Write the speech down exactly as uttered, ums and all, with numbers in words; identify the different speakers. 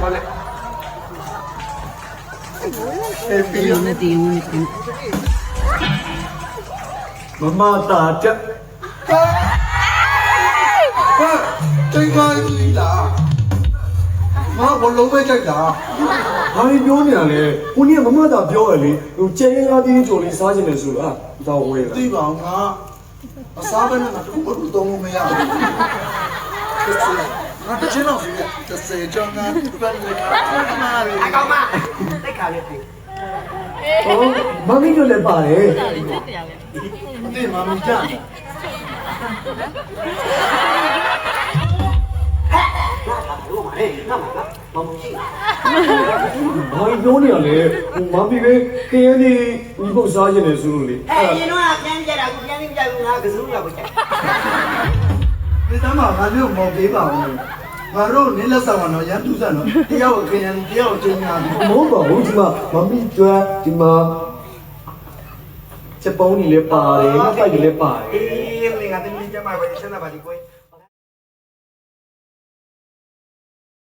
Speaker 1: ခေါ်လိုက်အေးပြီးနေတယ်မမတာတက်ဟာတိတ်ပါလိလားမဘလုံးပဲကြိုက်တာဘာပြောနေရလဲကိုကြီးကမမတာပြောရလေဟိုကျဲရင်ကားတင်းကြိုလေးစားခြင်းလေဆိုတော့ဒါဝဲတာသိပါငါအစားပဲနဲ့ငါတို့ဘာလို့တော့မရဘူးငါတချင်တော့တစ်စက်ကြောင်းကဘယ်လိုလဲမာရီအကောင်မတက်ခါလေးပြီဟိုမမီတို့လည်းပါတယ်ဒီမမီကြအေးငါမလားမမကြီးဘာပြောနေရလဲမမီပဲခင်းနေဒီပုတ်စားခြင်းလေဆိုလို့လေ
Speaker 2: အဲ့ရင်တော့ပြန်ကြတာကိုပြန်ပြီးပြဘူးငါကစုရပါချင်
Speaker 1: ဒီတမ်းမှာငါတို့မော်ပေးပါဦးငါတို့နင်းလက်ဆောင်ကတော့ရန်သူစံတော့တယောက်ခင်းရင်တယောက်ချင်းများပြီမဟုတ်ပါဘူးဒီမှာမမီကျွမ်းဒီမှာချက်ပုံးကြီးလည်းပါတယ်ငါဖိုက်ကြီးလည်းပါတယ်အေးလေငါတင်ပြကြမှာပဲဆက်လာပါဒီကွယ်